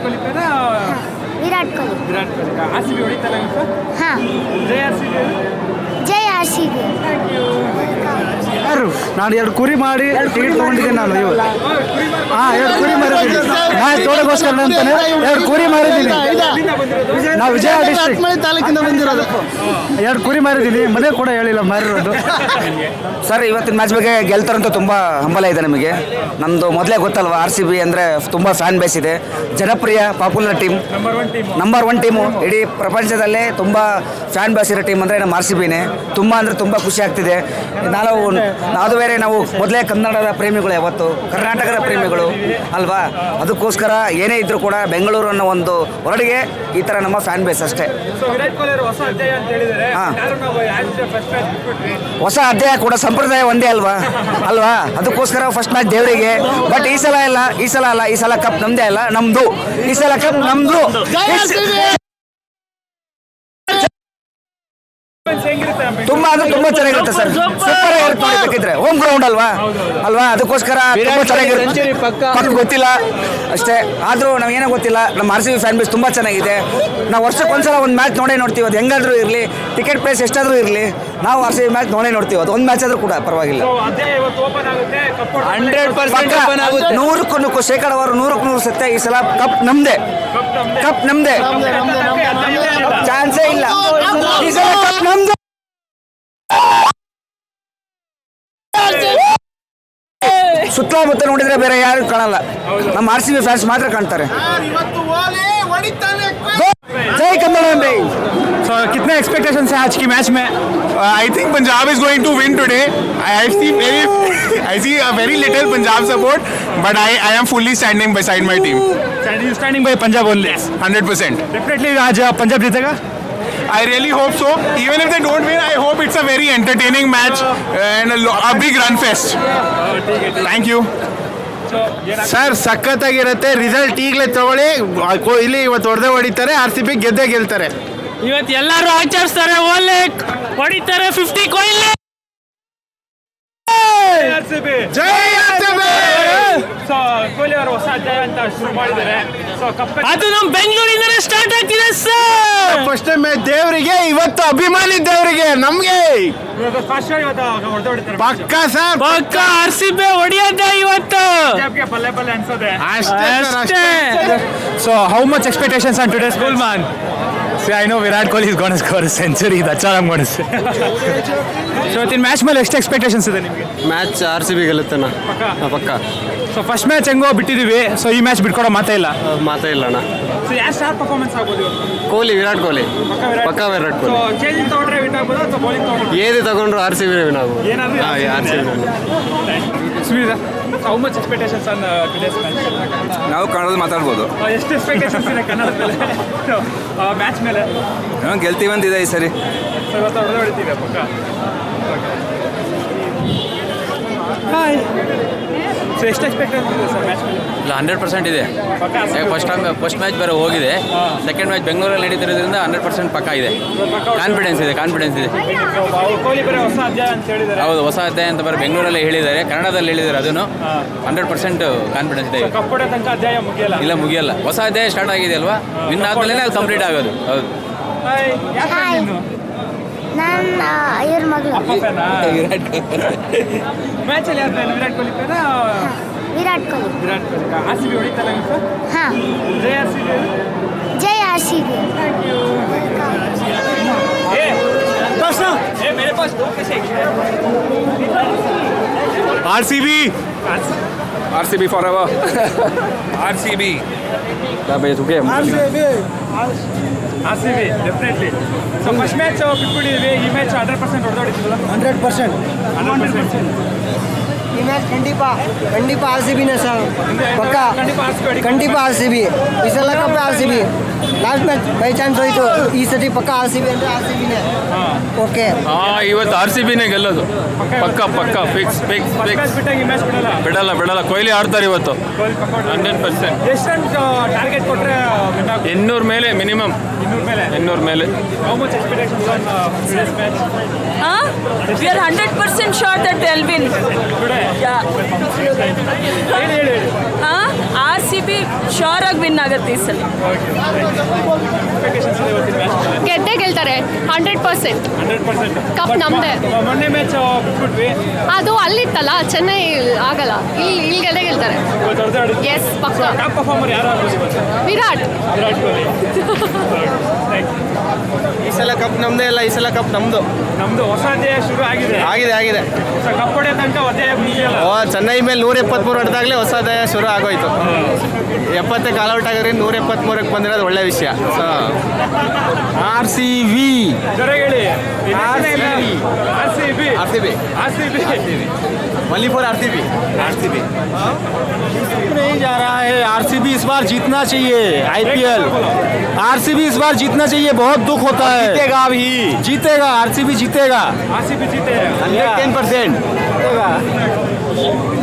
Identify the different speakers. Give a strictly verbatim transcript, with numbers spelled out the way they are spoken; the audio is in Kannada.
Speaker 1: ಕೊಹ್ಲಿ ಪೇರ
Speaker 2: Virat Kohli.
Speaker 1: Virat Kohli. R C B ಹೊಡಿತಲ್ಲ ಇವತ್ತು?
Speaker 2: ಹಾಂ.
Speaker 1: ಜೈ ಆರ್ ಸಿ ಬಿ.
Speaker 2: ಜೈ ಆರ್ ಸಿ ಬಿ.
Speaker 3: ಯಾರು ನಾನು ಎರಡು ಕುರಿ ಮಾಡಿ ಟಿಕೆಟ್ ತೊಗೊಂಡಿದ್ದೀನಿ ನಾನು ಇವು ಹಾಂ ಎರಡು ಕುರಿ ಮಾರಿದ್ದೀನಿ ನಾನು ತೋಟಗೋಸ್ಕರ ಅಂತಾನೆ ಎರಡು ಕುರಿ ಮಾರಿದ್ದೀನಿ. ನಾವು ವಿಜಯ ಡಿಸ್ಟ್ರಿಕ್ಟ್ ತಾಲೂಕಿಂದ ಬಂದಿರೋದು. ಎರಡು ಕುರಿ ಮಾರಿದ್ದೀನಿ, ಮನೆ ಕೂಡ ಹೇಳಿಲ್ಲ ಮಾರಿರೋದು.
Speaker 4: ಸರ್ ಇವತ್ತಿನ ಮ್ಯಾಚ್ ಬಗ್ಗೆ ಗೆಲ್ತಾರಂತೂ ತುಂಬ ಹಂಬಲ ಇದೆ ನಮಗೆ. ನಮ್ಮದು ಮೊದಲೇ ಗೊತ್ತಲ್ವ, ಆರ್ ಸಿ ಬಿ ಅಂದರೆ ತುಂಬ ಫ್ಯಾನ್ ಬೇಸ್ ಇದೆ, ಜನಪ್ರಿಯ popular team, number one team ಇಡೀ ಪ್ರಪಂಚದಲ್ಲೇ ತುಂಬ ಫ್ಯಾನ್ ಬೇಸ್ ಇರೋ ಟೀಮ್ ಅಂದರೆ ನಮ್ಮ ಆರ್ ಸಿ ಬಿನೇ. ತುಂಬ ಅಂದರೆ ತುಂಬ ಖುಷಿ ಆಗ್ತಿದೆ. ನಾವು ಅದು ಬೇರೆ ನಾವು ಮೊದಲೇ ಕನ್ನಡದ ಪ್ರೇಮಿಗಳು, ಯಾವತ್ತು ಕರ್ನಾಟಕದ ಪ್ರೇಮಿಗಳು ಅಲ್ವಾ, ಅದಕ್ಕೋಸ್ಕರ ಏನೇ ಇದ್ರೂ ಕೂಡ ಬೆಂಗಳೂರು ಅನ್ನೋ ಒಂದು ಹೊರಡಿಗೆ ಈ ಥರ ನಮ್ಮ ಫ್ಯಾನ್ ಬೇಸ್ ಅಷ್ಟೇ. ಹಾಂ, ಹೊಸ ಅಧ್ಯಾಯ ಕೂಡ ಸಂಪ್ರದಾಯ ಒಂದೇ ಅಲ್ವಾ ಅಲ್ವಾ ಅದಕ್ಕೋಸ್ಕರ ಫಸ್ಟ್ ಮ್ಯಾಚ್ ದೇವರಿಗೆ. ಬಟ್ ಈ ಸಲ ಇಲ್ಲ, ಈ ಸಲ ಅಲ್ಲ, ಈ ಸಲ ಕಪ್ ನಮ್ದೇ ಅಲ್ಲ, ನಮ್ದು. ಈ ಸಲ ಕಪ್ ನಮ್ದು. ತುಂಬಾ ಅಂದ್ರೆ ತುಂಬಾ ಚೆನ್ನಾಗಿರುತ್ತೆ ಸರ್, ಸೂಪರ್ ಆಗಿರುತ್ತೆ ನೋಡಬೇಕಿದ್ರೆ. ಹೋಮ್ ಗ್ರೌಂಡ್ ಅಲ್ವಾ ಅಲ್ವಾ ಅದಕ್ಕೋಸ್ಕರ ತುಂಬಾ ಚೆನ್ನಾಗಿರುತ್ತೆ. ಪಕ್ಕ ಗೊತ್ತಿಲ್ಲ ಅಷ್ಟೇ, ಆದ್ರೂ ನಾವು ಏನೋ ಗೊತ್ತಿಲ್ಲ, ನಮ್ಮ R C B fan base ತುಂಬಾ ಚೆನ್ನಾಗಿದೆ. ನಾವು ವರ್ಷಕ್ಕೊಂದ್ಸಲ ಒಂದು ಮ್ಯಾಚ್ ನೋಡೇ ನೋಡ್ತೀವಿ, ಅದು ಹೆಂಗಾದ್ರೂ ಇರಲಿ, ಟಿಕೆಟ್ ಪ್ರೈಸ್ ಎಷ್ಟಾದ್ರೂ ಇರಲಿ, ನಾವು ಆರ್ ಸಿ ಬಿ ಮ್ಯಾಚ್ ನೋಡೇ ನೋಡ್ತೀವಿ. ಅದು ಒಂದು ಮ್ಯಾಚ್ ಆದ್ರೂ ಕೂಡ ಪರವಾಗಿಲ್ಲ. ನೂರಕ್ಕೂ ನೂರು ಶೇಕಡವಾರು ನೂರಕ್ಕೂ ನೂರು ಸತ್ಯ, ಈ ಸಲ ಕಪ್ ನಮ್ದೇ, ಕಪ್ ನಮ್ದೇ, ಚಾನ್ಸೇ ಇಲ್ಲ. ಈ ಸಲ ಕಪ್ ನಮ್ದು. ಸುತ್ತಮುತ್ತ ನೋಡಿದ್ರೆ ಬೇರೆ ಯಾರು ಕಾಣಲ್ಲ, ನಮ್ಮ ಆರ್ ಸಿ ಬಿ ಫ್ಯಾನ್ಸ್ ಮಾತ್ರ ಕಾಣ್ತಾರೆ. जय कन्नड़।
Speaker 1: So कितने एक्सपेक्टेशंस हैं आज की मैच में?
Speaker 5: I think Punjab is going to win today. I see very, I see a very little Punjab support, but I, I am fully standing beside my team.
Speaker 1: You standing by Punjab only?
Speaker 5: one hundred percent.
Speaker 1: Definitely आज पंजाब जीतेगा?
Speaker 5: I really hope so. Even if they don't win, I hope it's a very entertaining match and a, lo- a big run fest. Thank you.
Speaker 3: Sir ಸಖತ್ತಾಗಿರುತ್ತೆ. ರಿಸಲ್ಟ್ ಈಗಲೇ ತಗೊಳ್ಳಿ, ಕೊಹ್ಲಿ ಇವತ್ತು ಹೊಡೆದೇ ಹೊಡಿತಾರೆ, ಆರ್ ಸಿ ಬಿ ಗೆದ್ದೇ ಗೆಲ್ತಾರೆ.
Speaker 6: ಇವತ್ತು ಎಲ್ಲರೂ ಆಚರಿಸ್ತಾರೆ, ಓಲೆ ಹೊಡಿತಾರೆ ಫಿಫ್ಟಿ ಕೊಹ್ಲಿ.
Speaker 3: ಜೈ R C B.
Speaker 1: So Kohli ಅವರು ಹೊಸ ಅಧ್ಯಾಯ ಅಂತ ಶುರು ಮಾಡಿದ್ದಾರೆ. ಸೊ ಕಪ್
Speaker 6: ಅದು ನಮ್ಮ ಬೆಂಗಳೂರಿಂದಲೇ ಸ್ಟಾರ್ಟ್ ಆಗ್ತಿದೆ ಸರ್.
Speaker 3: ಫಸ್ಟ್ ಮ್ಯಾಚ್ ದೇವರಿಗೆ, ಇವತ್ತು ಅಭಿಮಾನಿ ದೇವರಿಗೆ, ನಮ್ಗೆ
Speaker 1: ಫಸ್ಟ್ ಇವತ್ತು ಹೊಡೆದು ಹೊಡಿತಾರೆ.
Speaker 3: ಪಕ್ಕ ಸರ್,
Speaker 6: ಪಕ್ಕ ಆರ್ ಸಿ ಬಿ ಹೊಡಿಯೋದೆ ಇವತ್ತು.
Speaker 1: ಪಂಜಾಬ್ಗೆ ಬಲ್ಲೆ ಬಲ್ಲೆ ಅನ್ಸೋದೆ
Speaker 3: ಅಷ್ಟೇ ಸರ್,
Speaker 6: ಅಷ್ಟೇ.
Speaker 1: So how much expectations on today's goal, man? See, I know Virat Kohli is going to score a century. That's all I'm going to say. So in match ಮೇಲೆ ಎಷ್ಟು ಎಕ್ಸ್ಪೆಕ್ಟೇಷನ್ಸ್ ಇದೆ ನಿಮಗೆ?
Speaker 3: ಮ್ಯಾಚ್ ಆರ್ ಸಿ ಬಿ ಗೆಲ್ಲುತ್ತಣ್ಣ, ಪಕ್ಕ.
Speaker 1: ಸೊ ಫಸ್ಟ್ ಮ್ಯಾಚ್ ಹೆಂಗೋ ಬಿಟ್ಟಿದ್ದೀವಿ, ಸೊ ಈ ಮ್ಯಾಚ್ ಬಿಟ್ಕೊಡೋ ಮಾತೇ ಇಲ್ಲ.
Speaker 3: ಮಾತೇ ಇಲ್ಲ ಅಣ್ಣ.
Speaker 1: ಸೊ ಯಾವ ಸ್ಟಾರ್ ಪರ್ಫಾರ್ಮೆನ್ಸ್ ಆಗ್ಬೋದು ಇವತ್ತು?
Speaker 3: ಕೊಹ್ಲಿ, ವಿರಾಟ್ ಕೊಹ್ಲಿ, ಪಕ್ಕ ವಿರಾಟ್ ಕೊಹ್ಲಿ.
Speaker 1: ಸೊ ಚೇಂಜಿಂಗ್ ತಗೊಂಡ್ರೆ ವಿನ್ ಆಗ್ಬೋದಾ ಅಥವಾ ಬೌಲಿಂಗ್ ತಗೊಂಡ್ರೆ?
Speaker 3: ಏದು ತಗೊಂಡ್ರು ಆರ್ ಸಿ ಬಿ ವಿನ್ ಆಗ್ಬೋದು.
Speaker 1: ಏನಾದರೂ
Speaker 3: R C B.
Speaker 1: Sunita, how much expectations on today's match?
Speaker 4: ನಾವು ಕನ್ನಡದಲ್ಲಿ ಮಾತಾಡ್ಬೋದು.
Speaker 1: ಎಷ್ಟು ಎಕ್ಸ್ಪೆಕ್ಟೇಷನ್ಸ್ ಇದೆ ಕನ್ನಡದ ಮೇಲೆ ಮ್ಯಾಚ್ ಮೇಲೆ?
Speaker 4: ಗೆಲ್ತೀವಂತಿದೆ ಈ ಸರಿ.
Speaker 1: ಸೊ ಇವತ್ತು ಹೊಡೆದು ಹೊಡಿತೀವಿ ಪಕ್ಕ. ಹಾಯ್. ಸೊ ಎಷ್ಟು ಎಕ್ಸ್ಪೆಕ್ಟೇಷನ್ ಇದೆ ಸರ್ ಮ್ಯಾಚ್ ಮೇಲೆ?
Speaker 7: ಇಲ್ಲ, ಹಂಡ್ರೆಡ್ ಪರ್ಸೆಂಟ್ ಇದೆ. ಫಸ್ಟ್ ಟೈಮ್ ಫಸ್ಟ್ ಮ್ಯಾಚ್ ಬೇರೆ ಹೋಗಿದೆ, ಸೆಕೆಂಡ್ ಮ್ಯಾಚ್ ಬೆಂಗಳೂರಲ್ಲಿ ನಡೀತಿರೋದ್ರಿಂದ ಹಂಡ್ರೆಡ್ ಪರ್ಸೆಂಟ್ ಪಕ್ಕ ಇದೆ. ಕಾನ್ಫಿಡೆನ್ಸ್ ಇದೆ, ಕಾನ್ಫಿಡೆನ್ಸ್ ಇದೆ.
Speaker 1: ಕೊಹ್ಲಿ ಬೇರೆ ಹೊಸ ಅಧ್ಯಾಯ ಅಂತ ಹೇಳಿದ್ದಾರೆ.
Speaker 7: ಹೌದು, ಹೊಸ ಅಧ್ಯಾಯ ಅಂತ ಬರೀ ಬೆಂಗಳೂರಲ್ಲಿ ಹೇಳಿದ್ದಾರೆ, ಕನ್ನಡದಲ್ಲಿ ಹೇಳಿದ್ದಾರೆ. ಅದನ್ನು ಹಂಡ್ರೆಡ್ ಪರ್ಸೆಂಟ್ ಕಾನ್ಫಿಡೆನ್ಸ್ ಇದೆ.
Speaker 1: ಕಪ್ ಹೊಡೆಯೋ ತನಕ ಅಧ್ಯಾಯ ಮುಗಿಯಲ್ಲ?
Speaker 7: ಇಲ್ಲ, ಮುಗಿಯಲ್ಲ. ಹೊಸ ಅಧ್ಯಾಯ ಸ್ಟಾರ್ಟ್ ಆಗಿದೆ ಅಲ್ವಾ, ವಿನ್ ಆದ್ಮೇಲೆ ಅದು ಕಂಪ್ಲೀಟ್ ಆಗೋದು. ಹೌದು.
Speaker 2: ನನ್ನ ಇವ್ರ ಮಗಳು
Speaker 1: ಮ್ಯಾಚಲ್ಲಿ ಯಾರು ಫ್ಯಾನ್? ವಿರಾಟ್ ಕೊಹ್ಲಿ ಪೇರ
Speaker 2: Virat Kohli.
Speaker 1: Virat Kohli. R C B ಹೊಡಿತಲ್ಲ ಇವತ್ತು?
Speaker 2: ಹಾಂ.
Speaker 1: ಜೈ ಆರ್ ಸಿ ಬಿ.
Speaker 2: ಜೈ R C B.
Speaker 1: R C B.
Speaker 4: R C B forever.
Speaker 1: R C B. R C B definitely. So first match ಬಿಟ್ಬಿಟ್ಟಿದ್ವಿ, ಈ ಮ್ಯಾಚ್ ಹಂಡ್ರೆಡ್ ಪರ್ಸೆಂಟ್ ಹೊಡೆದೋಡಿದ್ವಲ್ಲ?
Speaker 3: ಹಂಡ್ರೆಡ್ ಪರ್ಸೆಂಟ್
Speaker 1: ಹಂಡ್ರೆಡ್ ಪರ್ಸೆಂಟ್
Speaker 3: ಈ ಮ್ಯಾಚ್ ಖಂಡಿತ ಖಂಡಿತ ಆರ್ ಸಿ ಬಿನೇ ಸರ್, ಪಕ್ಕ ಖಂಡಿತ ಆರ್ ಸಿ ಬಿ. ಈ ಸಲ cup R C B. Last match by chance ಹೋಯ್ತು, ಈ ಸತಿ ಪಕ್ಕ ಆರ್ ಸಿ ಬಿ ಅಂದರೆ ಆರ್ ಸಿ ಬಿನೇ. ಓಕೆ,
Speaker 7: ಹಾಂ, ಇವತ್ತು ಆರ್ ಸಿ ಬಿನೇ ಗೆಲ್ಲೋದು, ಪಕ್ಕ ಪಕ್ಕ ಫಿಕ್ಸ್ ಫಿಕ್ಸ್ ಫಿಕ್ಸ್.
Speaker 1: ಬಿಟ್ಟಾಗ ಈ ಮ್ಯಾಚ್ ಬಿಡಲ್ಲ?
Speaker 7: ಬಿಡಲ್ಲ ಬಿಡಲ್ಲ ಕೊಹ್ಲಿ ಆಡ್ತಾರೆ ಇವತ್ತು, ಹಂಡ್ರೆಡ್ ಪರ್ಸೆಂಟ್.
Speaker 1: ಎಷ್ಟು ರನ್ ಟಾರ್ಗೆಟ್ ಕೊಟ್ಟರೆ
Speaker 7: ಇನ್ನೂರ ಮೇಲೆ ಮಿನಿಮಮ್,
Speaker 1: ಇನ್ನೂರ ಮೇಲೆ
Speaker 7: ಇನ್ನೂರ ಮೇಲೆ.
Speaker 1: How much expectations on today's match?
Speaker 8: Huh? We are one hundred percent sure that they'll win.
Speaker 1: Today?
Speaker 8: Yeah.
Speaker 1: ಹೇಳಿ ಹೇಳಿ.
Speaker 8: Huh? R C B sure ಆಗಿ ವಿನ್ ಆಗುತ್ತೆ ಈ ಸಲ.
Speaker 9: ಗೆದ್ದೇ ಗೆಲ್ತಾರೆ hundred percent.
Speaker 1: Hundred percent
Speaker 9: cup ನಮ್ದೇ.
Speaker 1: ಮೊನ್ನೆ ಮ್ಯಾಚ್ ಬಿಟ್ಬಿಟ್ವಿ,
Speaker 9: ಅದು ಅಲ್ಲಿತ್ತಲ್ಲ, ಚೆನ್ನೈ ಆಗಲ್ಲ, ಇಲ್ಲಿ ಇಲ್ಲಿ ಗೆದ್ದೇ ಗೆಲ್ತಾರೆ. ಎಸ್ ಪಕ್ಕ.
Speaker 1: ಟಾಪ್ ಪರ್ಫಾರ್ಮರ್ ಯಾರು ಆಗ್ಬೋದು ಇವತ್ತು?
Speaker 9: ವಿರಾಟ್.
Speaker 1: ವಿರಾಟ್ ಕೊಹ್ಲಿ.
Speaker 3: ಈ ಸಲ ಕಪ್ ನಮ್ದೇ ಇಲ್ಲ, ಈ ಸಲ ಕಪ್ ನಮ್ದು.
Speaker 1: ನಮ್ದು ಹೊಸ ಅಧ್ಯಾಯ ಶುರು ಆಗಿದೆ.
Speaker 3: ಆಗಿದೆ ಆಗಿದೆ.
Speaker 1: ಕಪ್ ಹೊಡೆಯೋ ತನಕ ಅಧ್ಯಾಯ ಮುಗಿಯಲ್ಲ.
Speaker 3: ಓ ಚೆನ್ನೈ ಮೇಲೆ ನೂರ ಎಪ್ಪತ್ಮೂರು ಹೊಡೆದಾಗಲೇ ಹೊಸ ಅಧ್ಯಾಯ ಶುರು ಆಗೋಯ್ತು. ಎಪ್ಪತ್ತಕ್ಕೆ ಆಲ್ಔಟ್ ಆಗಿದ್ರೆ ನೂರ ಎಪ್ಪತ್ಮೂರಕ್ಕೆ ಬಂದಿರೋದು ಒಳ್ಳೆ ವಿಷಯ. ಆರ್ ಸಿ ವಿ
Speaker 1: ಜೊತೆಗೇಳಿ
Speaker 3: R C B
Speaker 1: R C B
Speaker 3: R C B
Speaker 1: R C B
Speaker 3: only for RCB RCB नहीं जा रहा है. आरसीबी इस बार जीतना चाहिए आईपीएल. आरसीबी इस बार जीतना चाहिए. बहुत दुख होता है. जीतेगा भी, जीतेगा. आरसीबी जीतेगा.
Speaker 1: आर सी बी जीते हैं.
Speaker 3: हंड्रेड टेन परसेंट जीतेगा.